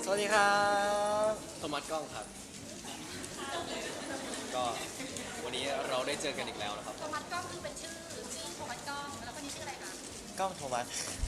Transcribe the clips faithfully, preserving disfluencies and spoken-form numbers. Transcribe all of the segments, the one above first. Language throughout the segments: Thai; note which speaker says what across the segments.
Speaker 1: วัสดีครับ
Speaker 2: โทมัสกล้องครับก็วันนี้เราได้เจอกันอีกแล้วนะครับ
Speaker 3: โทมัสกล้องคือเป็นชื่อชื่อโทมัสกล้องแล้วคนนี้ชื่ออะไรคะ
Speaker 1: กล้องโทมัส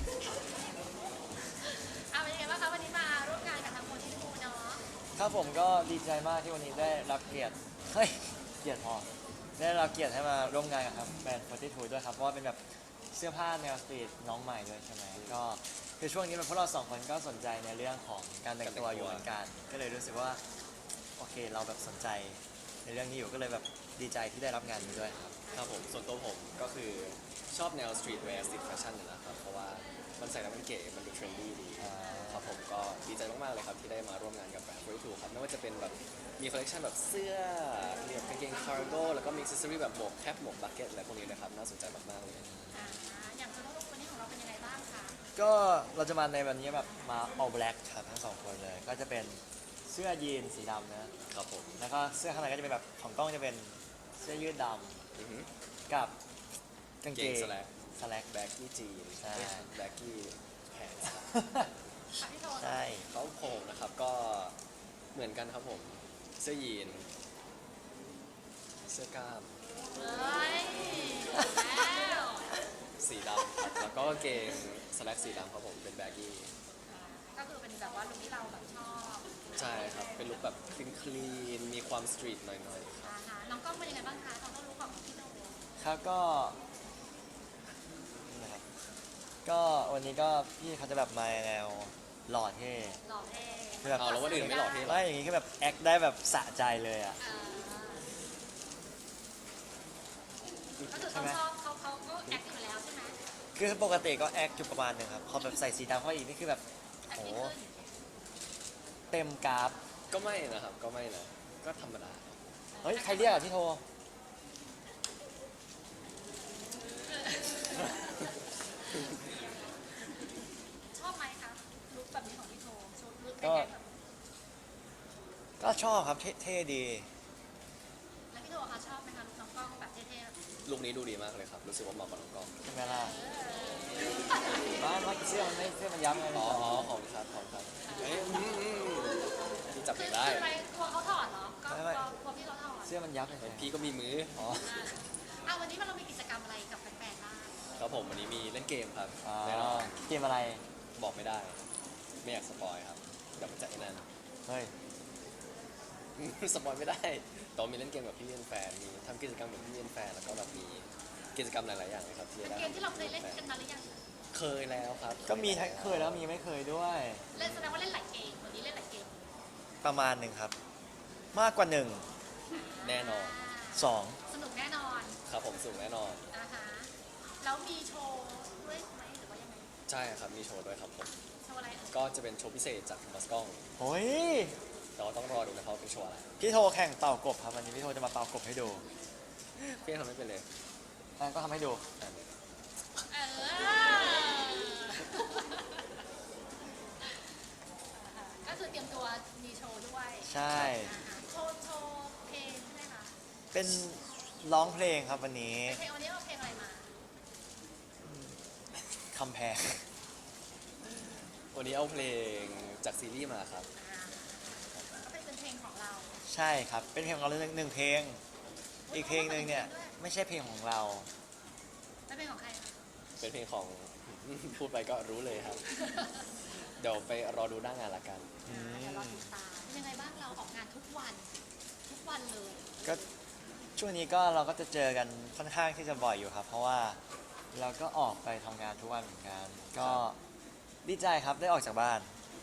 Speaker 3: อ่าเป็นยังไงบ้างคะวันนี้มาร่วมงานกับทางโมทีทูเนาะ
Speaker 1: ครับผมก็ดีใจมากที่วันนี้ได้รับเกียรติเฮ้ยเกียรติพอได้รับเกียรติให้มาร่วมงานกับครับแบรนด์โฟร์ตี้ทูด้วยครับเพราะว่าเป็นแบบเสื้อผ้าแนวสตรีทน้องใหม่ด้วยใช่ไหมก็คือช่วงนี้มันพวกเราสองคนก็สนใจในเรื่องของการแต่งตัวอยู่เหมือนกันก็เลยรู้สึกว่าโอเคเราแบบสนใจในเรื่องนี้อยู่ก็เลยแบบดีใจที่ได้รับงานนี้ด้วยครับ
Speaker 2: ครับผมส่วนตัวผมก็คือชอบแนวสตรีทแวร์สตรีทแฟชั่นนี่แหละครับเพราะว่ามันใส่แล้วมันเก๋มันดูเทรนดี้ดีครับผมก็ดีใจมากๆเลยครับที่ได้มาร่วมงานกับแบรนด์โฟร์ตี้ทูครับไม่ว่าจะเป็นแบบมีคอลเลคชันแบบเสื้อมีแบบกางเกงคาร์โก้แล้วก็มีอิสซอรี่แบบหมวกแคปหมวกบักเก็ตอะไรพวกนี้นะครับน่าสนใจมากๆเลย
Speaker 3: อ่าอย่างโซโล่ลูกคนนี้ของเราเป็นยังไงบ้างคะ
Speaker 1: ก็เราจะมาในวันนี้แบบมา all black ครับทั้งสองคนเลยก็จะเป็นเสื้อยีนสีดำนะครับ
Speaker 2: ผม
Speaker 1: แล้วก็เสื้อข้างในก็จะเป็นแบบของกล้องจะเป็นเสื้อยืดด
Speaker 2: อือฮึ
Speaker 1: ำกับกางเกง
Speaker 2: เกง slack
Speaker 1: สแลก
Speaker 2: แบ็กกี้จีน
Speaker 1: ใช่
Speaker 2: แบ็กกี้แพนส์
Speaker 3: ค่ะพี่โท
Speaker 1: ใช่
Speaker 2: เขาผมนะครับก็เหมือนกันครับผมเสื้อยีนเสื้อกล้าม
Speaker 3: เฮ้ยแล้ว
Speaker 2: สีดำครับแล้วก็กางเกงสแลกสีดำครับผมเป็นแบ็กกี้
Speaker 3: ก็คือเป็นแบบว่าลุคที่เราแบบชอบ
Speaker 2: ใช่ครับเป็นลุคแบบคลีนคลีนมีความสตรีทหน่อยๆครับ
Speaker 3: อ่าฮะน้องกล้องเป็นยังไงบ้างคะตอนต้นรู้ของพี่โท
Speaker 1: ครับก็นะครับก็วันนี้ก็พี่เขาจะแบบมาแนวหล่อเท่
Speaker 3: หล่อเท่
Speaker 1: คือแบบ
Speaker 2: เอาแล้ววันอื่นไม่หล่อเท่หรอ
Speaker 1: ไม่อย่างงี้คือแบบแอคได้แบบสะใจเลยอ่ะ
Speaker 3: อ่าก็คือเขาชอบเขาเขาก็แอคอยู่แล้วใช่ไหม
Speaker 1: คือปกติก็แอคอยู่ประมาณหนึงครับพอแบบใส่สีดำเข้าไปอีกนี่คือแบบ
Speaker 3: แอค
Speaker 1: โห
Speaker 3: ยิ่งขึ้น
Speaker 1: เต็มกราฟ
Speaker 2: ก็ไม่นะครับก็ไม่นะก็ธรรมดา
Speaker 1: เฮ้ยใครเรียกอ่ะพี่โท
Speaker 3: ชอบไหมคะลุคแบบนี้ของพี่โทชุดลุค
Speaker 1: ก็
Speaker 3: แอคแบบ
Speaker 1: ก็ชอบครับเท่เท่ดี
Speaker 3: แล้วพี่โทคะชอบไหมคะลุคน้องกล้องแบบเท่ๆแบบ
Speaker 2: ลุคนี้ดูดีมากเลยครับรู้สึกว่าเหมาะกับน้องกล้อง
Speaker 1: ใช่ไหมล่ะบ้านว่าเสื้อมันไม่เสื้อมันยับไง
Speaker 2: อ๋ออ๋อของครับของครับเอ้ยอืมอืมพี่จับ
Speaker 3: คื
Speaker 2: เอ
Speaker 3: อง
Speaker 2: ได้
Speaker 3: คืออะไรกลัวเขาถอดเหรอก็กลัวกลัวพี่เขาถอด
Speaker 1: เสื้อมันยับเลย
Speaker 2: พี่ก็มีมือ
Speaker 1: อ๋อ
Speaker 3: อ่าอ่ะวันนี้เรามีกิจกรรมอะไรกับแฟนๆบ้าง
Speaker 2: ครับผมวันนี้มีเล่นเกมครับ
Speaker 1: อ๋อ
Speaker 2: แน่นอน
Speaker 1: เกมอะไร
Speaker 2: บอกไม่ได้ ไม่อยากสปอยครับเดี๋ยวมันจะไอ้นั่น
Speaker 1: เฮ้ย
Speaker 2: สปอยไม่ได้แตอนมีเล่นเกมกับพี่เลี้ยนแฟนมีทำกิจกรรมกับพี่เลี้ยนแฟนแล้วก็แบบมีกิจกรรมหลายๆอย่างเลยครับที่
Speaker 3: เป็น
Speaker 2: ได้
Speaker 3: เกมที่เราเคยเล่นกันมาหรือยัง
Speaker 2: เคยแล้วครับ
Speaker 1: ก็มีทั้งเคยแล้วมีไม่เคยด้วย
Speaker 3: เล่นแสดงว่าเล่นหลายเกมวันนี้เล่นหลายเกม
Speaker 1: ประมาณหนึ่งครับ มากกว่าหนึ่ง
Speaker 2: แน่นอน
Speaker 1: สอง
Speaker 3: สนุกแน่นอน
Speaker 2: ครับผมสูงแน่นอน
Speaker 3: อ่าฮะแล้วมีโชว์ด้วยไหมหรือว่ายังไง
Speaker 2: ใช่ครับมีโชว์ด้วยครับผม
Speaker 3: โชว์อะไรเอ่ย
Speaker 2: ก็จะเป็นโชว์พิเศษจากมัสกล้อง
Speaker 1: โอ้ย
Speaker 2: แต่ว่าต้องรอดูนะครับว่าเป็นโชว์อะไร
Speaker 1: พี่โทแข่งเป่ากบครับวันนี้พี่โทจะมาเป่ากบให้ดู
Speaker 2: พี่ทำไม่เป็นเลย
Speaker 1: งั้นก็ทำให้ดู
Speaker 2: อันนี้
Speaker 3: เออก็คือเตรียมตัวมีโชว์ด้วย
Speaker 1: ใช่
Speaker 3: อ่าฮะโชว์โชว์เพลงใช่ไหมคะ
Speaker 1: เป็นร้องเพลงครับวันนี้
Speaker 3: เพลงวันนี้เอาเพลงอะไรมา
Speaker 1: คำแพง
Speaker 2: วันนี้เอาเพลงจากซีรีส์มาครับ
Speaker 3: อ่าก็เป็นเพลงของเรา
Speaker 1: ใช่ครับ เป็นเพลงของเราหนึ่งเพลง อีกเพลงหนึ่งเนี่ยไม่ใช่เพลงของเรา
Speaker 3: แล้วเพลงของใครคะ
Speaker 2: เป็นเพลงของ พูดไปก็รู้เลยครับ เดี๋ยวไปรอดูหน้างานละกัน
Speaker 1: อืม
Speaker 3: เดี๋ยวเราติดตามเป็นยังไงบ้างเราออกงานทุกวัน ทุกวันเลย
Speaker 1: ก็ช่วงนี้ก็เราก็จะเจอกันค่อนข้างที่จะบ่อยอยู่ครับ เพราะว่าเราก็ออกไปทำงานทุกวันเหมือนกัน ก็ดีใจครับได้ออกจากบ้าน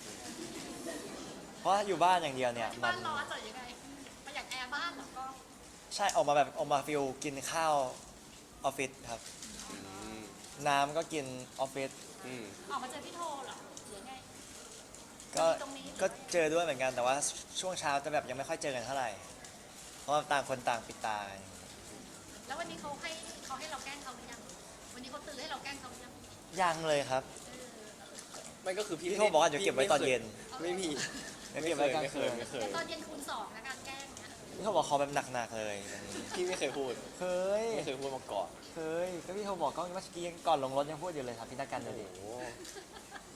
Speaker 1: เพราะอยู่บ้านอย่างเดียวเนี่ย
Speaker 3: ที่
Speaker 1: มั
Speaker 3: บ้าน นร้อนจะยังไงประหยัดแอร์บ้านเหรอก็
Speaker 1: ใช่ออกมาแบบออกมาฟิลกินข้าวออฟฟิศครับ
Speaker 2: อืม
Speaker 1: น้ำก็กินออฟฟิศ
Speaker 2: อืม
Speaker 3: ออกมาเจอพี่โทเหรอหรือไง
Speaker 1: ก็
Speaker 3: ตรงนี้
Speaker 1: ก็เจอด้วยเหมือนกันแต่ว่าช่วงเช้าจะแบบยังไม่ค่อยเจอกันเท่าไหร่ เพราะว่าต่างคนต่างปิดตา
Speaker 3: แล้ววันนี้เขาให้เขาให้เราแกล้งเขาหรือยัง วันนี้เขาตื่นให้เราแกล้งเขาหรือยัง
Speaker 1: ยังเลยครับ
Speaker 3: เออ
Speaker 2: ไม่ก็คือพี่
Speaker 1: พี่โทรบอกว่าเดี๋ยวเก็บไว้ตอนเย็น
Speaker 2: ไม่มี
Speaker 1: ไม่เก็บไว้กลางคืน
Speaker 2: ไม่เคย
Speaker 3: แต่
Speaker 2: ไม่
Speaker 3: ต
Speaker 2: เค
Speaker 3: อน
Speaker 2: ย
Speaker 3: เย็นคูณสองนะการแกล้งเนี่ย
Speaker 1: พี่เขาบอกเขาแบบหนักๆเลยวันนี้
Speaker 2: พี่ไม่เคยพูด
Speaker 1: เคย
Speaker 2: ไม่เคยพูดมาก่อน
Speaker 1: เคยก็พี่เขาบอกก็เมื่อกี้ก่อนลงรถยังพูดอยู่เลยครับพี่นักการ
Speaker 2: โอ้
Speaker 1: เดี๋ยว
Speaker 2: โห
Speaker 1: ดิ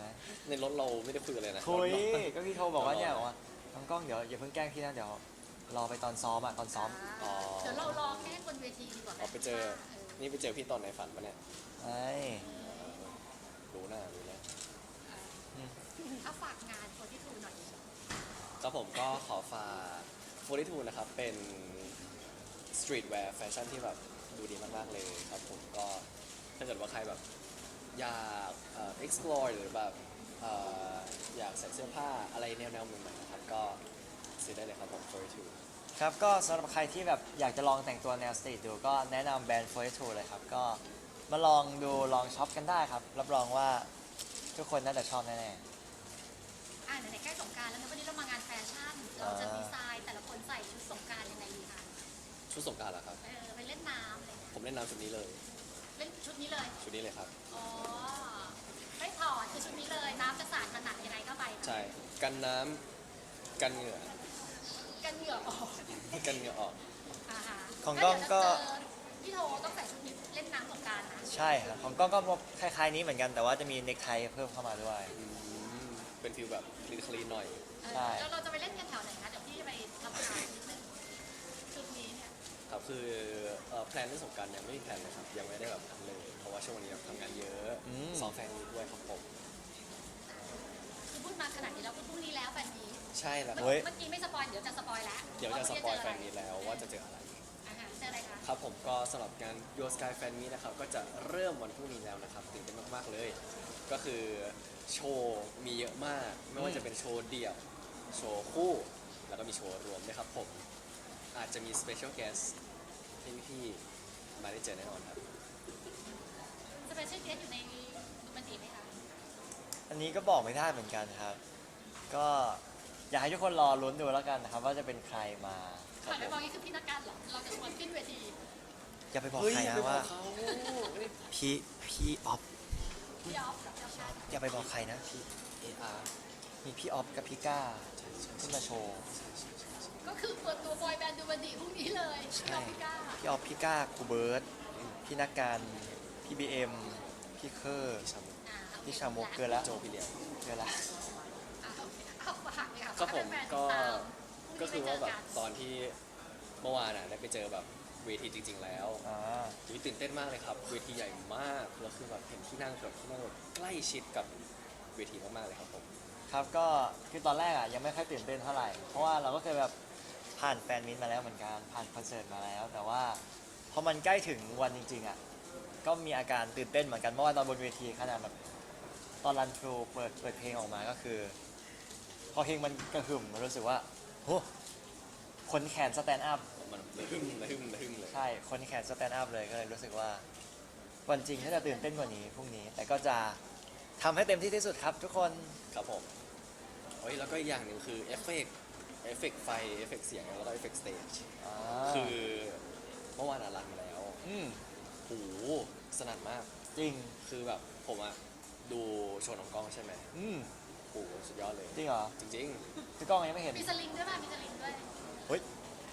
Speaker 1: ไหม
Speaker 2: ในรถเราไม่ได้คุยกันเลยนะ
Speaker 1: คุย
Speaker 2: รถเรา
Speaker 1: ก็พี่โทรบอกว่าเนี่ยบอกว่าน้องกล้องเดี๋ยวอย่าเพิ่งแกล้งพี่นะเดี๋ยวรอไปตอนซ้อมอ่ะตอนซ้อม
Speaker 2: อ๋อ
Speaker 3: เดี๋ยวเรารอแค่บนเวทีดีกว่าหม
Speaker 2: เอาไปเจอ นี่ไปเจอพี่ตอนในฝันปะเนี่ย
Speaker 1: ไอ้
Speaker 2: รู้หน้ารู้แล้ว
Speaker 3: เอาฝากงานคนที่ทูหน่อย
Speaker 2: ครับผมก็ขอฝากโฟร์ทูนะครับ เป็นสตรีทแวร์แฟชั่นที่แบบดูดีมาก ๆ เลยครับผมก็ถ้าเกิดว่าใครแบบอยากเอ่อ explore หรือแบบเอ่ออยากใส่เสื้อผ้าอะไรแนวๆใหม่ๆนะครับ ก็ซื้อได้เลยครับผมโฟร์ทู
Speaker 1: ครับก็สำหรับใครที่แบบอยากจะลองแต่งตัวแนวสตรีทดูก็แนะนำแบรนด์โฟร์ทูเลยครับก็มาลองดูลองช็อปกันได้ครับรับรองว่าทุกคนน่าจะชอบแน่
Speaker 3: อ่าไหนๆใกล้สงกรารแล้วนะวันนี้เรามางานแฟชั่น เราจะดีไซน์แต่ละคนใส่ชุดสงกรารยังไงดีคะ
Speaker 2: ชุดสงกรารเหรอครับ
Speaker 3: เออไปเล่นน้ำอะไรเงี้ย
Speaker 2: ผมเล่นน้ำชุดนี้เลย
Speaker 3: เล่นชุดนี้เลย
Speaker 2: ชุดนี้เลยครับ
Speaker 3: อ๋อไม่ถอดคือชุดนี้เลยน้ำจะสาดขนาดยังไงก็ไปนะ
Speaker 2: ใช่ กันน้ำกันเหงื่อ
Speaker 3: กันเหงื่อออก
Speaker 2: กันเหงื่อออก
Speaker 3: อ่าฮะ
Speaker 1: ๆของกล้องก็
Speaker 3: แล้วเดี๋ยวจะเจอพี่โทต้องใส่ชุดนี้เล่นน้ำสงกรารนะ
Speaker 1: ใช่ครับของกล้องก็คล้ายๆนี้เหมือนกันแต่ว่าจะมีเน็กไทเพิ่มเข้ามาด้วย
Speaker 2: อืมเป็นฟิลแบบคลีนคลีนหน่อย
Speaker 3: เออ
Speaker 1: ใช่
Speaker 3: แล้วเราจะไปเล่นกันแถวไหนคะเดี๋ยวพี่จะไปทำงานนิดนึงชุดนี้เนี่ย
Speaker 2: ครับคือเอ่อแพลนเรื่องสงกรารยังไม่มีแพลนเลยครับยังไม่ได้แบบทำเลย เพราะว่าช่วงนี้แบบทำงานเยอะ
Speaker 1: อืม
Speaker 2: ซ้อมแฟนมีตด้วยครับผม
Speaker 3: คือพูดมาขนาดนี้แล้วคือพรุ่งนี้แล้วแบบนี้
Speaker 2: ใช่แล้วค
Speaker 3: เมื่
Speaker 2: รับ
Speaker 3: อเมื่อกี้ไม่สปอยเดี๋ยวจะสปอยแล้ว
Speaker 2: เดี๋ยวจะสปอยแฟนมีตแล้วว่าจะเจออะไร
Speaker 3: อาหารเจออะไรคะ
Speaker 2: ครับผมก็สำหรับงาน Your Sky Fan Meet นะครับก็จะเริ่มวันพรุ่งนี้แล้วนะครับตื่นเต้นมากๆเลย ก็คือโชว์มีเยอะมาก ไม่ว่าจะเป็นโชว์เดี่ยว โชว์คู่ แล้วก็มีโชว์รวมด้วยครับผม อาจจะมี Special Guest ที่พี่ๆมาได้เจอแน่นอนครับ
Speaker 3: สเปเชียลเกสอยู่ในดูมันดีไหมคะ
Speaker 1: อันนี้ก็บอกไม่ได้เหมือนกันครับ ก็อยากให้ทุกคนรอลุ้นดูแล้วกันนะครับว่าจะเป็นใครมาค
Speaker 3: ก่
Speaker 1: รั
Speaker 3: อบ น
Speaker 1: ผ
Speaker 3: ไป
Speaker 1: ม
Speaker 3: บอกนี่คือพี่นักการเหรอ เราจะชวนขึ้นเวที
Speaker 1: อย่าไปบอก
Speaker 2: เฮ้ย
Speaker 1: ใคร
Speaker 2: อย่า
Speaker 1: นะ
Speaker 2: ไปบอ
Speaker 1: ว่า
Speaker 2: กเขาเฮ้ย
Speaker 1: พี่พี่ออฟ
Speaker 3: พี่ออฟกับพี่ชาติ
Speaker 1: อย่าไปบอกใครนะ
Speaker 2: เออาร์
Speaker 1: มีพี่ออฟกับพี่ก้าขึ้นมาโชว์
Speaker 3: ก็คือเปิดตัวบอยแบนด์ดูมันดีพรุ่งนี้เลยพี่ออฟพี่ก้า
Speaker 1: พี่ออฟพี่ก้าครูเบิร์ตพี่นักการพี่บีเอ็มพี่เคอร์
Speaker 2: ชามุ
Speaker 3: อ่าโอเค
Speaker 1: พี่ชามุกเกินละ
Speaker 2: โจพี่เลี้ยง
Speaker 1: เกินละ
Speaker 3: อ่าโอเคเอาฝากเลยค่ะ
Speaker 2: ก็ผม
Speaker 3: ให้แฟนๆ
Speaker 2: ก็
Speaker 3: ติดตามพ
Speaker 2: ก็
Speaker 3: รุ่ง
Speaker 2: คือ
Speaker 3: นี้
Speaker 2: ว่า
Speaker 3: ไปเจ
Speaker 2: แบบ
Speaker 3: กัน
Speaker 2: ตอนที่เมื่อวานอ่ะได้ไปเจอแบบเวทีจริง ๆ แล้ว
Speaker 1: อ่า
Speaker 2: อุ๊ยตื่นเต้นมากเลยครับ เวทีใหญ่มากแล้วคือแบบเห็นที่นั่งแบบที่นั่งแบบใกล้ชิดกับเวทีมากๆเลยครับผม
Speaker 1: ครับก็คือตอนแรกอ่ะยังไม่ค่อยตื่นเต้นเท่าไหร่ เพราะว่าเราก็เคยแบบผ่านแฟนมิตมาแล้วเหมือนกันผ่านคอนเสิร์ตมาแล้ว แต่ว่าพอมันใกล้ถึงวันจริงๆอ่ะก็มีอาการตื่นเต้นเหมือนกันเพราะว่าตอนบนเวทีขนาดแบบตอนรันทรูเปิดเปิดเพลงออกมาก็คือ พอเพลงมันกระหึ่มมันรู้สึกว่าโหขนแขนสแตนด์อัพ
Speaker 2: มันระหึ่มระหึ่มระหึ่มเลย
Speaker 1: ใช่ขนแขนสแตนด์อัพเลยก็เลยรู้สึกว่าวันจริงน่าจะตื่นเต้นกว่านี้พรุ่งนี้ แต่ก็จะทำให้เต็มที่ที่สุดครับทุกคน
Speaker 2: ครับผมเฮ้ยแล้วก็อีกอย่างหนึ่งคือเอฟเฟกต์เอฟเฟกต์ไฟเอฟเฟกต์เสียงแล้วก็เอฟเฟกต์สเตจ
Speaker 1: อ่า
Speaker 2: คือเมื่อวานอ่ะรันมาแล้ว
Speaker 1: อืม
Speaker 2: โหสนั่นมาก
Speaker 1: จริง
Speaker 2: คือแบบผมอะดูโชว์น้องกล้องใช่ไหม
Speaker 1: อืม
Speaker 2: โหสุดยอดเลย
Speaker 1: จริงเหรอ
Speaker 2: จริง
Speaker 1: พี่ก้องยังไม่เห็น
Speaker 3: มีสลิงด้วยป่ะมีสลิงด้วย
Speaker 1: เฮ้ย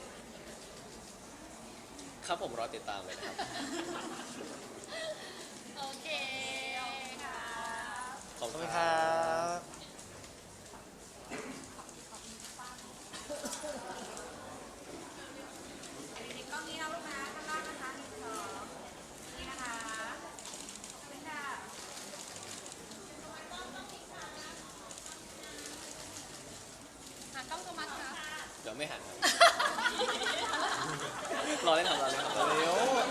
Speaker 2: ๆ ครับผมรอติดตามเลยนะครับ
Speaker 3: โอเคค่ะ
Speaker 2: ขอบ
Speaker 1: ขอบ
Speaker 2: คุ
Speaker 1: คุณ ณ
Speaker 2: ค
Speaker 1: ค
Speaker 2: รั
Speaker 1: รับ บ
Speaker 3: เด็กๆกล้องนี้นะลูกนะข้างล่างนะคะหนึ่งสองนี่นะคะขอบคุณค่ะหากล้องโทมัสครับ
Speaker 2: เดี๋ยวไม่หันครับ รอเล่นครับรอเล่นครับรอเล่น
Speaker 1: เร็ว